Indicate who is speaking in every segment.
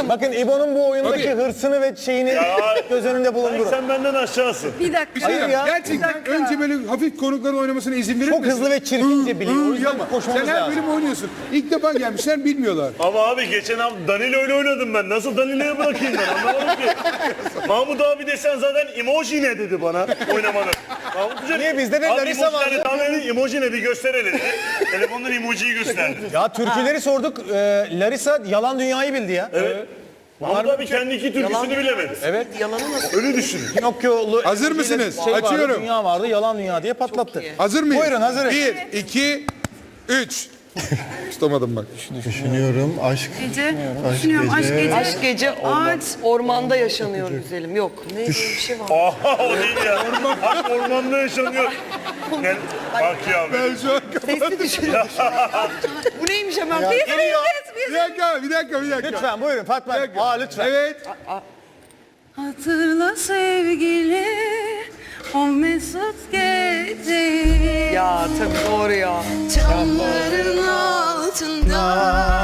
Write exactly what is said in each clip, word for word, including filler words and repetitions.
Speaker 1: Aşkım.
Speaker 2: Bakın İbo'nun bu oyundaki
Speaker 3: Tabii.
Speaker 2: hırsını ve şeyini
Speaker 4: Ya.
Speaker 2: göz önünde
Speaker 4: Ay,
Speaker 2: bulundurun.
Speaker 4: sen benden aşağısın.
Speaker 1: Bir dakika.
Speaker 3: Bir şey
Speaker 2: Hayır
Speaker 3: diyeceğim.
Speaker 2: ya.
Speaker 3: Gerçekten
Speaker 1: Bir dakika.
Speaker 3: önce böyle hafif konukların oynamasına izin verir
Speaker 2: Çok
Speaker 3: misin?
Speaker 2: hızlı ve çirkince biliyor. O
Speaker 3: Hı,
Speaker 2: yüzden
Speaker 3: yapma.
Speaker 2: koşmamız
Speaker 3: Sen her
Speaker 2: lazım.
Speaker 3: bölüm oynuyorsun. İlk defa gelmişler bilmiyorlar.
Speaker 4: Ama abi geçen hafta Danilo öyle oynadım ben. Nasıl Danilo'ya bırakayım ben anlamadım ki. Mahmut abi desen zaten emoji ne dedi bana oynamanın. Mahmut Hoca,
Speaker 2: Niye? Bizde de
Speaker 4: abi
Speaker 2: Larisa
Speaker 4: emojilerle
Speaker 2: vardı.
Speaker 4: tahmin edin, emoji ne bir gösterelim dedi. Telefondan emojiyi gösterdi.
Speaker 2: Ya türküleri sorduk. Ee, Larisa yalan dünyayı bildi ya.
Speaker 4: Evet. Mahmut abi kendi iki türküsünü bilemedi.
Speaker 2: Evet.
Speaker 1: Yalanı nasıl?
Speaker 4: Öyle düşünün.
Speaker 2: Pinokyo'lu
Speaker 3: Hazır mısınız?
Speaker 2: şey vardı,
Speaker 3: Açıyorum.
Speaker 2: dünya vardı, yalan dünya diye patlattı.
Speaker 3: Hazır mıyız?
Speaker 2: Buyurun, hazırız.
Speaker 3: Bir, iki, üç. Tutamadım bak.
Speaker 5: Düşünüyorum aşk.
Speaker 1: Gece. Düşünüyorum. Aşk gece.
Speaker 6: Aşk gece
Speaker 1: Ağaç.
Speaker 6: ormanda yaşanıyor güzelim. Yok. Ne bir şey var.
Speaker 4: Aha o değil ya. Aşk ormanda yaşanıyor. Gel, bak ya.
Speaker 3: Ben şu an...
Speaker 6: Sesli düşünüyorum. Bu neymiş hemen? Biz
Speaker 2: Geliyor.
Speaker 3: Bir dakika, bir dakika, bir dakika.
Speaker 2: Lütfen buyurun Fatma.
Speaker 3: Bir dakika.
Speaker 2: Aa lütfen.
Speaker 3: Evet.
Speaker 1: Hatırla sevgili o mesut geceyi.
Speaker 6: Ya tabii doğru ya.
Speaker 1: Çamların altında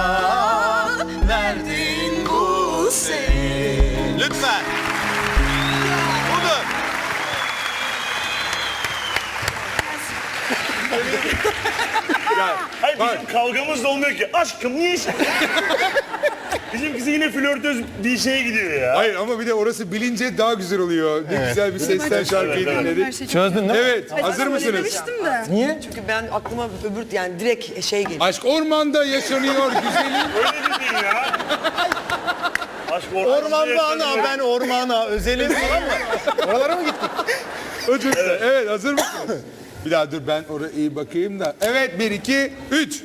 Speaker 1: verdiğin bu sevgi.
Speaker 2: Lütfen. Budur.
Speaker 4: Hayır bizim kavgamız da olmuyor ki. Aşkım niye iş? Bizimkisi yine flörtöz bir şeye gidiyor ya.
Speaker 3: Hayır ama bir de orası bilince daha güzel oluyor. Ne güzel bir sesten şarkıyı
Speaker 4: Evet, evet.
Speaker 3: dinledik.
Speaker 1: Her şey çok-
Speaker 2: Çözdün değil mi?
Speaker 3: Evet, hazır
Speaker 1: Öyle
Speaker 3: mısınız?
Speaker 1: demiştim de.
Speaker 2: Niye?
Speaker 6: Çünkü ben aklıma öbür yani direkt şey geliyor.
Speaker 3: Aşk ormanda yaşanıyor güzelim.
Speaker 4: Öyle dedin ya. Aşk ormanda
Speaker 2: Orman
Speaker 4: yaşanıyor.
Speaker 2: bana, ben ormana, özelim falan mı? Oralara mı gittik?
Speaker 3: O çok güzel. Evet, hazır mısınız? Bir daha dur ben oraya iyi bakayım da. Evet, bir, iki, üç.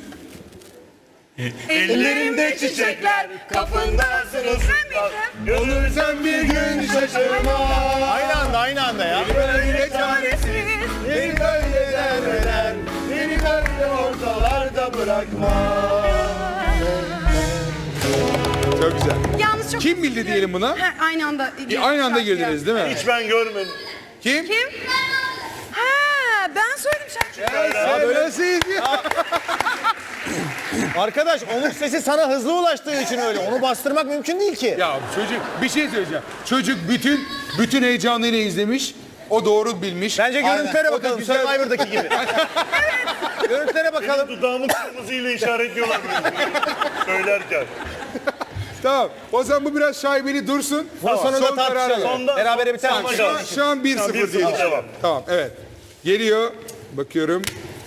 Speaker 4: Ellerimde çiçekler, kapında sırılsıklar. Görürsen bir gün şaşırma.
Speaker 2: Aynı anda, aynı anda ya.
Speaker 3: Böyle çaresiz.
Speaker 2: Beni böyle derler, beni böyle ortalarda bırakma.
Speaker 3: Çok güzel.
Speaker 1: Yalnız çok
Speaker 3: Kim bildi diyelim buna?
Speaker 1: Ha, aynı anda.
Speaker 3: E, aynı anda girdiniz değil mi?
Speaker 4: Hiç ben görmedim.
Speaker 3: Kim?
Speaker 1: Kim? Ha, ben söyledim şarkıyı.
Speaker 3: Ya böyle siz ya.
Speaker 2: Arkadaş onun sesi sana hızlı ulaştığı için öyle. Onu bastırmak mümkün değil ki.
Speaker 3: Ya çocuk bir şey söyleyeceğim. Çocuk bütün bütün heyecanıyla izlemiş. O doğru bilmiş.
Speaker 2: Bence görüntülere
Speaker 3: O da
Speaker 2: bakalım.
Speaker 3: güzel-
Speaker 2: Survivor'daki gibi. Görüntülere bakalım.
Speaker 4: Dudağımın kırmızıyla işaretliyorlar beni söylerken.
Speaker 3: Tamam. O zaman bu biraz şaibeli dursun.
Speaker 2: Daha sonra
Speaker 3: Son
Speaker 2: da
Speaker 3: karar
Speaker 2: tartışalım.
Speaker 4: Sonda-
Speaker 2: Berabere biter mi?
Speaker 4: Sonda
Speaker 3: Şu an,
Speaker 4: kaldı.
Speaker 3: şu an bir
Speaker 4: Tamam,
Speaker 3: sıfır
Speaker 4: bir
Speaker 3: diye.
Speaker 4: sıfır, devam.
Speaker 3: Tamam evet. Geliyor. Bakıyorum.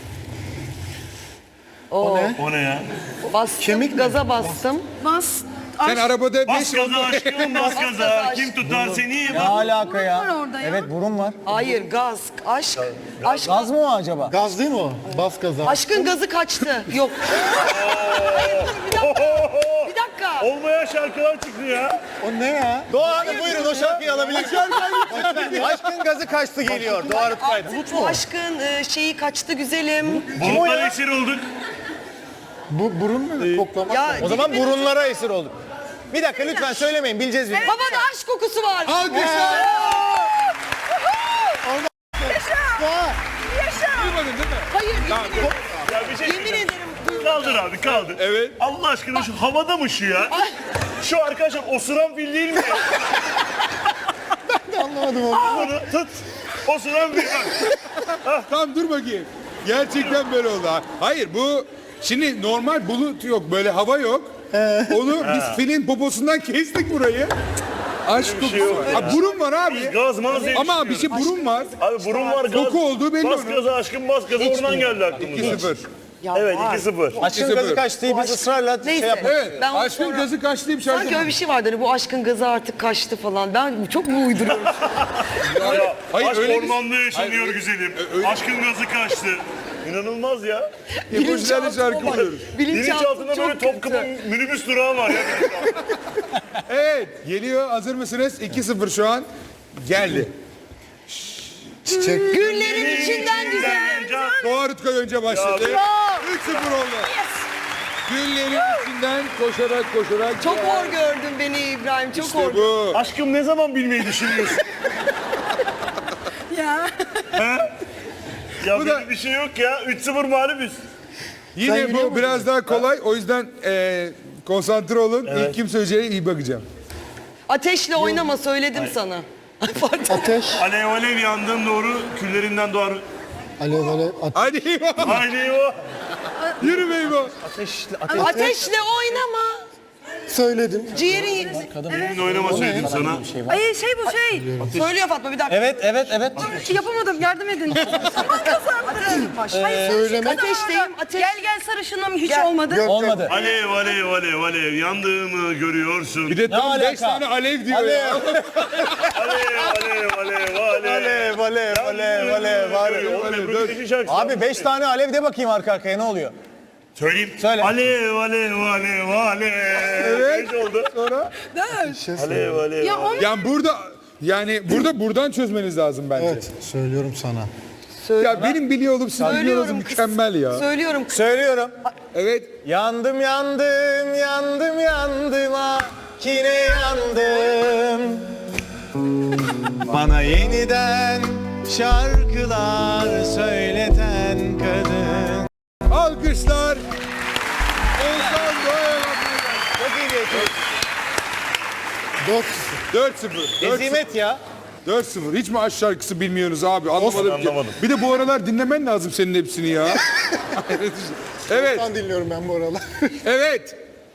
Speaker 6: O,
Speaker 4: O ne ya?
Speaker 6: bastım, gaza bastım.
Speaker 1: Bas.
Speaker 3: Sen
Speaker 1: Aşk.
Speaker 3: arabada
Speaker 4: Bas
Speaker 3: beş
Speaker 4: gaza aşkım bas gaza. Kim tutar seni?
Speaker 2: Ne alaka ya?
Speaker 1: var orada ya.
Speaker 2: Evet burun var.
Speaker 6: Hayır gaz, aşk. Aşk.
Speaker 2: Gaz mı o acaba?
Speaker 5: Gaz değil mi o? Bas gaza.
Speaker 6: Aşkın gazı kaçtı. Yok. Hayır dur bir dakika. Bir dakika.
Speaker 4: Olmayan şarkılar çıktı ya.
Speaker 2: O ne ya? Doğa Hanım buyurun o şarkıyı alabilir. Lütfen. Aşkın gazı kaçtı geliyor. Doğa Rutkay'da.
Speaker 6: Bu aşkın e, şeyi kaçtı güzelim.
Speaker 4: Bulutlar esir olduk.
Speaker 5: Bu burun mu? Koklamak.
Speaker 6: Ya
Speaker 2: O zaman burunlara esir olduk. Bir dakika lütfen söylemeyin bileceğiz biz.
Speaker 6: havada aşk kokusu var.
Speaker 3: Alkışlar.
Speaker 1: Yaşa.
Speaker 3: Duymadın değil mi?
Speaker 6: Hayır yemin ederim.
Speaker 4: Ya bir şey
Speaker 6: Yemin ederim.
Speaker 4: Kaldır abi kaldır.
Speaker 3: Evet.
Speaker 4: Allah aşkına şu havada mı şu ya? Şu arkadaşlar osuran fil değil mi?
Speaker 5: Anlamadım onu.
Speaker 4: Bunu tut. Osuran fil.
Speaker 3: Tamam dur bakayım. Gerçekten böyle oldu. ha. Hayır bu şimdi normal bulut yok böyle hava yok. Onu biz filin poposundan kestik burayı. Aşk
Speaker 4: bir şey yok
Speaker 3: kokusu.
Speaker 4: ya.
Speaker 3: Ha, burun var abi.
Speaker 4: Gaz maz diye
Speaker 3: Ama bir
Speaker 4: düşünüyorum.
Speaker 3: şey burun var.
Speaker 4: Abi burun var gaz.
Speaker 3: Koku olduğu belli
Speaker 4: Bas
Speaker 3: onun.
Speaker 4: gaza aşkım bas gaza oradan geldi aklımıza.
Speaker 3: iki sıfır.
Speaker 6: Ya
Speaker 4: Evet
Speaker 6: var.
Speaker 4: iki sıfır.
Speaker 2: Aşkın
Speaker 3: İkisi
Speaker 2: gazı
Speaker 3: böyle.
Speaker 2: kaçtı biz ısrarla şey
Speaker 6: Neyse.
Speaker 2: yaptık.
Speaker 3: Evet.
Speaker 6: Ben onu
Speaker 3: Aşkın
Speaker 6: sonra-
Speaker 3: gazı kaçtı bir şarkı.
Speaker 6: Sanki öyle bir şey vardı hani bu aşkın gazı artık kaçtı falan. Ben çok mu uyduruyorum?
Speaker 4: Ya,
Speaker 3: Hayır,
Speaker 4: aşk
Speaker 3: öyle bir-
Speaker 4: ormanda yaşanıyor
Speaker 3: Hayır,
Speaker 4: güzelim.
Speaker 3: öyle-
Speaker 4: Aşkın gazı kaçtı. İnanılmaz ya.
Speaker 3: Emojilerle şarkı buluyoruz.
Speaker 4: Bilinçaltında böyle Topkapı minibüs durağı var ya.
Speaker 3: Evet. Geliyor. Hazır mısınız? iki sıfır şu an. Geldi.
Speaker 5: Çiçek.
Speaker 6: Güllerin içinden güzel.
Speaker 3: Doğa Rutkay önce başladı.
Speaker 6: Bravo.
Speaker 3: üç sıfır oldu. Güllerin içinden koşarak koşarak.
Speaker 6: Çok hor gördün beni İbrahim. Çok hor.
Speaker 3: İşte bu.
Speaker 4: Aşkım ne zaman bilmeyi düşünüyorsun?
Speaker 1: Ya.
Speaker 4: Ya
Speaker 3: Bu
Speaker 4: böyle
Speaker 3: da-
Speaker 4: bir şey yok ya. üç sıfır mağlubuz.
Speaker 3: Yine
Speaker 5: Sen
Speaker 3: bu
Speaker 5: biliyor
Speaker 3: biraz daha kolay. O yüzden e, konsantre olun. İlk kim söyleyeceğine iyi bakacağım.
Speaker 6: Ateşle oynama söyledim sana. Ay, pardon.
Speaker 5: Ateş.
Speaker 4: Alev alev yandığım doğru küllerinden doğar.
Speaker 5: Alev alev. Ateş.
Speaker 3: Hadi İbo.
Speaker 4: Haydi o.
Speaker 3: Yürü be İbo.
Speaker 6: Ateşle oynama.
Speaker 5: Söyledim.
Speaker 6: Ciğerin.
Speaker 4: Benimle oynama söyledim sana.
Speaker 1: Ay şey bu şey.
Speaker 6: Söylüyor Fatma bir dakika.
Speaker 2: Evet, evet, evet.
Speaker 1: Yapamadım yardım edin. Aman kazandım. Hayır
Speaker 5: Söyleme.
Speaker 6: Ateşteyim, ateş.
Speaker 1: Gel gel sarışınım hiç
Speaker 6: Gel.
Speaker 1: olmadı.
Speaker 2: Olmadı.
Speaker 4: Alev alev alev alev yandığımı görüyorsun.
Speaker 3: Bir de tam
Speaker 2: alaka?
Speaker 3: beş tane alev diyor ya.
Speaker 4: Alev alev alev alev.
Speaker 2: Alev, alev, alev, alev, alev.
Speaker 4: Oğlum Ebru Gündeş'in şarkısı.
Speaker 2: Abi beş tane alev de bakayım arka arkaya ne oluyor?
Speaker 4: Söyleyeyim.
Speaker 2: Söyle.
Speaker 4: Alev alev alev alev.
Speaker 3: Evet.
Speaker 4: Beş oldu.
Speaker 3: Sonra
Speaker 4: Alev alev.
Speaker 1: Ya on
Speaker 3: yani burada yani burada buradan çözmeniz lazım bence.
Speaker 5: Evet söylüyorum sana.
Speaker 3: Ya benim biliyor olup siz biliyor olmanız
Speaker 6: Söylüyorum kız.
Speaker 3: mükemmel ya.
Speaker 6: Söylüyorum kız.
Speaker 2: Söylüyorum.
Speaker 3: Evet.
Speaker 2: Yandım, yandım, yandım, yandım, ah yine yandım. Bana yeniden şarkılar söyleten kadın.
Speaker 3: Alkışlar. Oğuzhan Doğa'ya
Speaker 2: Çok iyi bir ekip.
Speaker 5: Dört.
Speaker 3: dört sıfır.
Speaker 2: Ezimet ya.
Speaker 3: dört sıfır. Hiç mi aşk şarkısı bilmiyorsunuz abi? Anlamadım ki.
Speaker 4: anlamadım.
Speaker 3: Bir de bu aralar dinlemen lazım senin hepsini ya. Evet.
Speaker 5: Ben dinliyorum ben bu aralar.
Speaker 3: Evet.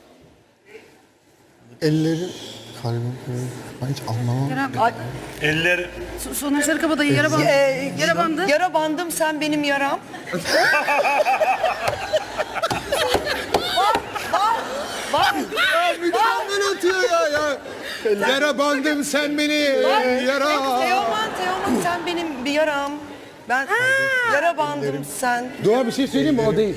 Speaker 5: Ellerim. Kalbim. Ben hiç anlamam.
Speaker 4: Eller.
Speaker 1: Soner Sarıkabadayı yara bandı.
Speaker 6: Ee,
Speaker 1: Yara bandı.
Speaker 6: Yara bandım sen benim yaram.
Speaker 3: Ya mükemmel atıyor ya ya. Yara bandım sen beni yara.
Speaker 6: Teoman Teoman sen benim bir yaram. Ben yara bandım sen.
Speaker 3: Doğa bir şey söyleyeyim mi? O değil.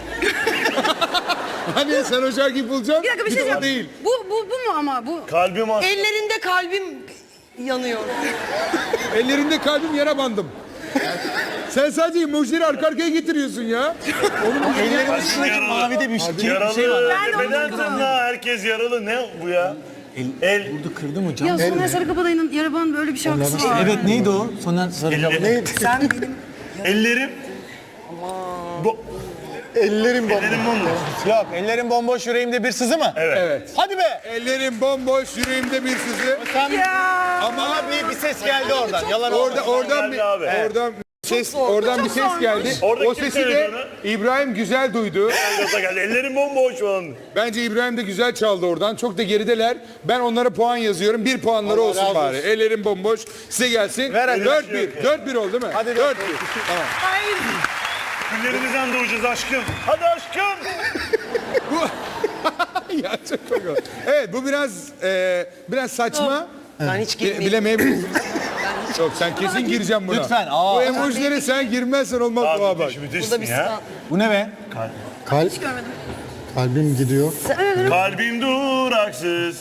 Speaker 3: Hani sen o şarkıyı bulacaksın.
Speaker 1: Bir dakika bir şey
Speaker 3: de o
Speaker 1: diyeceğim.
Speaker 3: değil.
Speaker 1: Bu, bu, bu mu ama bu?
Speaker 4: Kalbim aç.
Speaker 6: Ellerinde kalbim yanıyor.
Speaker 3: Ellerinde kalbim yara bandım. Sen sadece emojileri arka arkaya getiriyorsun ya.
Speaker 2: Ellerin üstündeki mavi de bir şey, bir
Speaker 4: Yaralı.
Speaker 2: şey var.
Speaker 1: Ben de onu
Speaker 4: Neden
Speaker 1: kırdım.
Speaker 4: tırnağı herkes yaralı? Ne bu ya? El.
Speaker 1: Ya Soner Sarıkabadayı'nın yara bandı böyle bir şarkısı var.
Speaker 2: Evet neydi o? Soner Sarıcam.
Speaker 4: Neydi?
Speaker 6: Sen benim
Speaker 4: Ellerim. Bu.
Speaker 5: Ellerim bomba.
Speaker 4: Ellerim bomboş.
Speaker 2: Yok ellerin bomboş yüreğimde bir sızı mı?
Speaker 4: Evet.
Speaker 3: Evet.
Speaker 2: Hadi be.
Speaker 3: Ellerim bomboş, yüreğimde bir sızı.
Speaker 2: Ama bir, bir ses geldi oradan. Yalan
Speaker 3: Orada
Speaker 2: olmasın.
Speaker 3: oradan bir
Speaker 4: Geldi abi.
Speaker 3: oradan ses oradan bir ses geldi.
Speaker 4: Orada
Speaker 3: O
Speaker 4: kim
Speaker 3: sesi de
Speaker 4: söyledi onu?
Speaker 3: İbrahim güzel duydu.
Speaker 4: Gaza geldi. Ellerim bomboş falan.
Speaker 3: Bence İbrahim de güzel çaldı oradan. Çok da gerideler. Ben onlara puan yazıyorum. Bir puanları
Speaker 5: Allah
Speaker 3: olsun
Speaker 5: razı
Speaker 3: bari. Ellerim bomboş. Size gelsin.
Speaker 2: Ver hadi.
Speaker 3: dört bir. dört bir oldu değil mi?
Speaker 2: Hadi
Speaker 3: dört bir. Tamam.
Speaker 4: Güllerimizden doğacağız aşkım. Hadi aşkım.
Speaker 3: Ya çok komik. Evet bu biraz e, biraz saçma.
Speaker 6: ben hiç
Speaker 3: Bi-
Speaker 6: girmeyeyim.
Speaker 3: Bilemeyebilirsin. Yok sen kesin gireceğim buna.
Speaker 2: Lütfen, aa.
Speaker 3: Bu emojilere sen girmezsen olmaz bu
Speaker 4: Abi
Speaker 3: bak.
Speaker 4: müthiş
Speaker 6: Bu da
Speaker 4: müthişsin
Speaker 6: bir
Speaker 4: ya.
Speaker 6: stand.
Speaker 2: Bu ne be?
Speaker 5: Kalp. Kalbim gidiyor.
Speaker 4: Kalbim duraksız.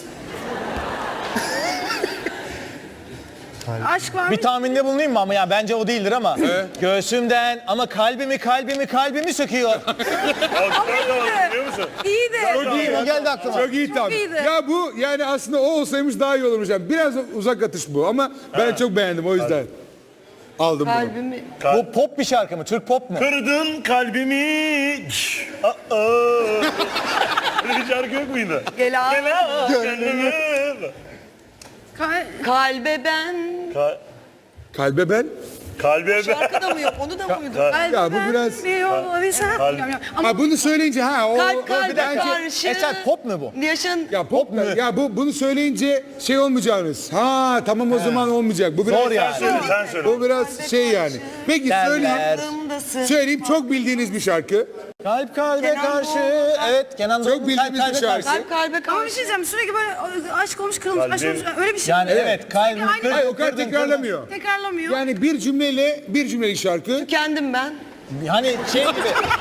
Speaker 1: Aşk var mı?
Speaker 2: Bir tahminde bulunayım mı ama ya bence o değildir ama. Göğsümden ama kalbimi kalbimi kalbimi söküyor.
Speaker 4: Alkışlar da var biliyor musun?
Speaker 1: İyi de.
Speaker 3: Çok iyi.
Speaker 2: O geldi aklıma.
Speaker 3: Çok iyi tabii.
Speaker 1: iyiydi.
Speaker 3: Ya bu yani aslında o olsaymış daha iyi olurmuş. Yani biraz uzak atış bu ama ben çok beğendim o yüzden. Aldım bunu.
Speaker 6: Kalbimi.
Speaker 2: Bu pop bir şarkı mı? Türk pop mu?
Speaker 4: Kırdın kalbimi. Aa. Böyle bir şarkı yok muydu?
Speaker 6: Gel abi.
Speaker 4: Gel aa, gönlümü.
Speaker 1: Ka-
Speaker 6: Kalbe ben.
Speaker 4: Ka-
Speaker 3: Kalbe ben.
Speaker 4: Kalbe ben.
Speaker 6: Şarkı da mı yok? Onu da mı uydun?
Speaker 3: Ya bu biraz-
Speaker 1: Bir yol bir sen-
Speaker 4: Kalp-
Speaker 1: Bilmiyorum ya. Ama
Speaker 3: Ha bunu söyleyince ha o,
Speaker 6: Kalp
Speaker 3: o
Speaker 6: kalbe
Speaker 3: bir dakika.
Speaker 6: karşı.
Speaker 2: Eser pop mu bu?
Speaker 6: Yaşın.
Speaker 3: Ya pop mu? Ya bu bunu söyleyince şey olmayacağınız. Ha tamam o zaman olmayacak. Bu biraz
Speaker 2: Zor yani.
Speaker 4: Sen söyle, sen söyle.
Speaker 3: Bu biraz şey yani. Peki söyleyeyim.
Speaker 2: Derler.
Speaker 6: Aklımdasın.
Speaker 3: Söyleyeyim çok bildiğiniz bir şarkı.
Speaker 2: Kalp kalbe
Speaker 6: Kenan
Speaker 2: karşı.
Speaker 6: Doğulu.
Speaker 2: Evet Kenan
Speaker 3: Çok
Speaker 2: Doğulu.
Speaker 3: bildiğimiz
Speaker 2: Kalp
Speaker 3: bir
Speaker 2: kalbe
Speaker 3: şarkı.
Speaker 2: karşı.
Speaker 6: Kalp kalbe
Speaker 1: ama bir
Speaker 6: karşı.
Speaker 1: şey diyeceğim sürekli böyle aşk olmuş kırılmış aşk olmuş
Speaker 4: Kalbim-
Speaker 1: öyle bir şey.
Speaker 2: Yani evet kalbim
Speaker 1: Aynı-
Speaker 2: kırdın,
Speaker 3: Hayır o kadar
Speaker 2: kırdın,
Speaker 3: tekrarlamıyor.
Speaker 1: Tekrarlamıyor.
Speaker 3: Yani bir cümleyle bir cümlelik şarkı.
Speaker 6: Kendim ben.
Speaker 2: kırdın. Hani şey gibi.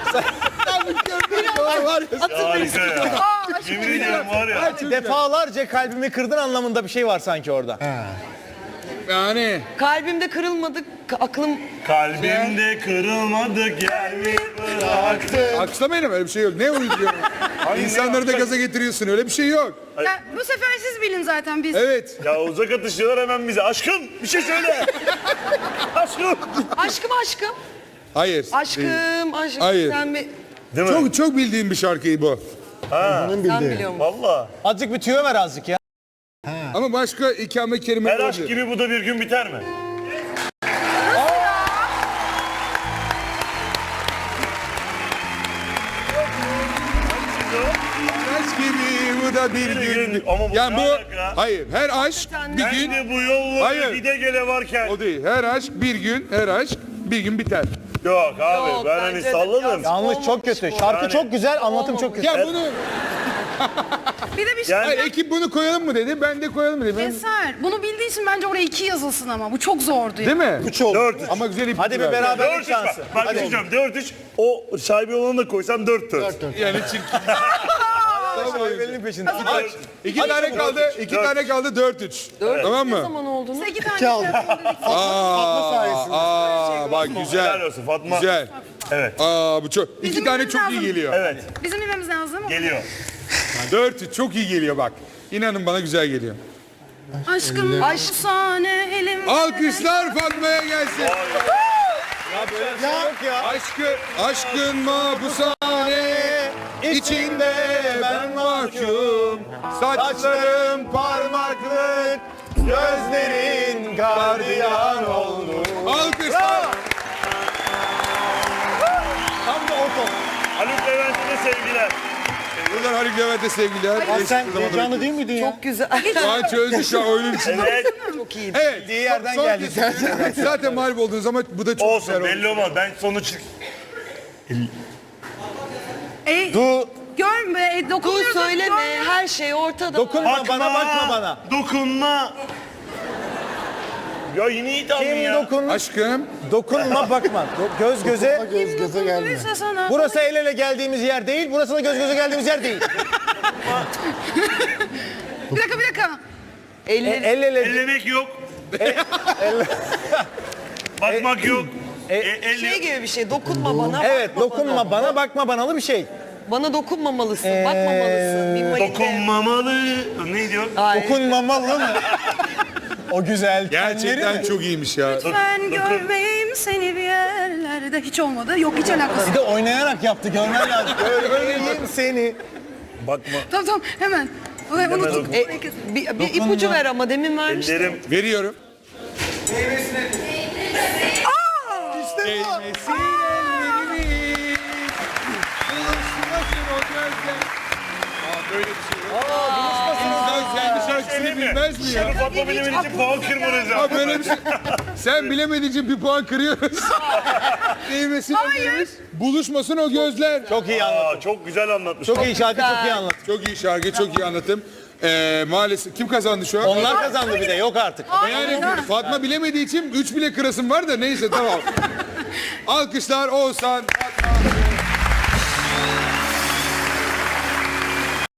Speaker 4: Harika ya. Yemin ediyorum var ya.
Speaker 2: Defalarca kalbimi kırdın anlamında bir şey var sanki orada.
Speaker 3: Yani
Speaker 6: Kalbimde kırılmadı. k- Aklım.
Speaker 4: Kalbimde kırılmadı gelmiş bıraktı.
Speaker 3: alkışlamayın ama öyle bir şey yok. Ne uyduruyorsun? İnsanları da gaza getiriyorsun öyle bir şey yok.
Speaker 1: Ya, bu sefer siz bilin zaten biz.
Speaker 3: Evet.
Speaker 4: Ya uzak atışıyorlar hemen bize. Aşkım bir şey söyle. Aşkım.
Speaker 6: Aşkım aşkım.
Speaker 3: Hayır.
Speaker 6: Aşkım aşkım.
Speaker 3: Hayır.
Speaker 6: Sen bir.
Speaker 4: Değil mi?
Speaker 3: Çok çok bildiğim bir şarkıyı bu.
Speaker 5: Bunun
Speaker 6: Sen
Speaker 5: bildiği.
Speaker 6: biliyor musun?
Speaker 4: Valla.
Speaker 2: Azıcık bir tüyo ver azıcık ya.
Speaker 3: Ama başka ikamet kelime
Speaker 4: Her aşk
Speaker 3: olabilir.
Speaker 4: gibi bu da bir gün biter mi?
Speaker 3: Aşk gibi bu da bir
Speaker 4: Bir
Speaker 3: gün.
Speaker 4: gün. Ama bu
Speaker 3: Yani
Speaker 4: ne
Speaker 3: bu,
Speaker 4: alaka?
Speaker 3: hayır her aşk bir
Speaker 4: Ben
Speaker 3: gün,
Speaker 4: de bu yolları
Speaker 3: Hayır.
Speaker 4: gide gele varken.
Speaker 3: o değil. Her aşk bir gün, her aşk bir gün biter.
Speaker 4: Yok abi
Speaker 6: Yok,
Speaker 4: ben hani
Speaker 6: bence de
Speaker 4: salladım.
Speaker 6: biraz-
Speaker 2: Yanlış çok kötü. Şarkı
Speaker 4: Yani-
Speaker 2: çok güzel, anlatım çok kötü.
Speaker 3: Ya bunu,
Speaker 1: Bir de bir şey.
Speaker 4: Yani
Speaker 3: hayır, ekip bunu koyalım mı dedi, ben de koyalım mı dedim. Ben-
Speaker 1: Eser. Bunu bildiği için bence oraya iki yazılsın ama. Bu çok zordu.
Speaker 3: Değil mi?
Speaker 2: Üç oldu.
Speaker 4: dört üç.
Speaker 3: Ama güzel ip.
Speaker 2: Hadi bir
Speaker 3: verdi.
Speaker 2: beraberlik
Speaker 4: dört üç
Speaker 2: şansı.
Speaker 4: bak. Bak bir şey diyeceğim. dört üç. O şaibe olanı da koysam dört dört.
Speaker 3: Yani çirkin.
Speaker 2: Şaibenin peşinde.
Speaker 3: Aç. İki tane kaldı, iki
Speaker 4: Dört.
Speaker 3: tane kaldı, dört üç. Tamam
Speaker 6: Ne
Speaker 3: mı?
Speaker 6: zaman olduğunu?
Speaker 1: İki tane
Speaker 5: İki aldı.
Speaker 3: Aa,
Speaker 5: sayesinde.
Speaker 3: aa, bak
Speaker 4: Helal
Speaker 3: güzel.
Speaker 4: olsun Fatma.
Speaker 3: Güzel.
Speaker 4: Evet.
Speaker 3: Aa, bu çok, iki
Speaker 1: Bizim
Speaker 3: tane
Speaker 1: bilmemiz
Speaker 3: çok iyi
Speaker 1: lazım.
Speaker 3: geliyor.
Speaker 4: Evet.
Speaker 1: Bizim bilmemiz lazım.
Speaker 4: Geliyor.
Speaker 3: Dört üç çok iyi geliyor bak. İnanın bana güzel geliyor.
Speaker 1: Aşkım afsane elim.
Speaker 3: Alkışlar Fatma'ya gelsin.
Speaker 2: Yok ya.
Speaker 3: Aşkı, aşkın mahpushane içinde ben mahkum.
Speaker 2: Saçlarım parmaklık, gözlerin gardiyan oldu.
Speaker 3: Alkışlar.
Speaker 2: Tam da o top.
Speaker 4: Haluk Levent'e de sevgiler.
Speaker 3: Buradan Haluk Levent'e sevgiler.
Speaker 2: Lan
Speaker 3: Eski
Speaker 2: sen
Speaker 3: zamanda-
Speaker 2: heyecanlı değil miydin ya?
Speaker 6: Çok güzel.
Speaker 3: Şu an çözdü şu an oyunun içinde.
Speaker 4: Evet.
Speaker 6: Çok iyi.
Speaker 3: Evet.
Speaker 2: Bildiği yerden
Speaker 3: son
Speaker 2: geldi.
Speaker 3: kez- Zaten mağlup oldunuz ama bu da çok
Speaker 4: Olsun
Speaker 3: güzel oldu.
Speaker 4: belli olmaz. Ben sonuç...
Speaker 1: E,
Speaker 2: Du,
Speaker 1: görme. E,
Speaker 6: Dur
Speaker 1: dokunmuyoruz.
Speaker 6: söyleme.
Speaker 1: görme.
Speaker 6: Her şey ortada.
Speaker 2: dokunma bana, bakma bana.
Speaker 4: Dokunma. Ya yine iyi tahmin
Speaker 2: Kim
Speaker 4: ya.
Speaker 2: dokun,
Speaker 3: Aşkım.
Speaker 2: dokunma bakma. Do- göz göze.
Speaker 5: Göz göze gelme.
Speaker 1: Dokunmuysa sana.
Speaker 2: Burası el ele geldiğimiz yer değil, burası da göz göze geldiğimiz yer değil.
Speaker 1: Bir dakika bir dakika.
Speaker 2: E,
Speaker 6: Elleri.
Speaker 2: el ele.
Speaker 4: Ellemek yok. Bakmak yok. E, el
Speaker 6: Şey
Speaker 4: yok.
Speaker 6: gibi bir şey. Dokunma bana.
Speaker 2: Evet,
Speaker 6: bakma
Speaker 2: dokunma
Speaker 6: bana.
Speaker 2: bana, bakma banalı bir şey.
Speaker 6: Bana dokunmamalısın. Bakmamalısın. Bir mayın-
Speaker 4: Dokunmamalı. Ne diyor?
Speaker 6: Hayır.
Speaker 2: Dokunmamalı mı? O güzel
Speaker 3: Gerçekten
Speaker 2: tenleri mi?
Speaker 3: çok iyiymiş ya.
Speaker 1: Ben görmeyeyim seni bir yerlerde. Hiç olmadı. Yok hiç alakası.
Speaker 2: Bir de oynayarak yaptı, görmen lazım. Görmeyeyim seni.
Speaker 4: Bakma.
Speaker 1: Tamam tamam hemen. Onu unuttuk.
Speaker 6: E, bir, bir ipucu ver ama demin vermiştim.
Speaker 4: Ellerim.
Speaker 3: Veriyorum.
Speaker 2: İşte bu.
Speaker 3: Değmesin ellerimi. Buluşmasın o gözler. Aa, böyle bir şey yok. İnsan kendi şarkısını
Speaker 4: Söyleyeyim mi?
Speaker 3: bilmez mi ya?
Speaker 4: Şunu Fatma bilemin için puan kırmanız
Speaker 3: Aa,
Speaker 4: lazım.
Speaker 3: böyle bir şey. Sen bilemediğin için bir puan kırıyoruz. Değmesin ellerimiz. Buluşmasın o gözler.
Speaker 2: Çok iyi anlat.
Speaker 4: Aa, çok güzel anlatmış.
Speaker 2: Çok iyi şarkı, çok iyi anlat.
Speaker 3: Çok iyi şarkı, çok iyi anlatım. Ee, maalesef kim kazandı şu an?
Speaker 2: Onlar kazandı bir de, yok artık.
Speaker 3: Yani Fatma bilemediği için üç bile kırasım var da neyse tamam. Alkışlar Oğuzhan. Fatma.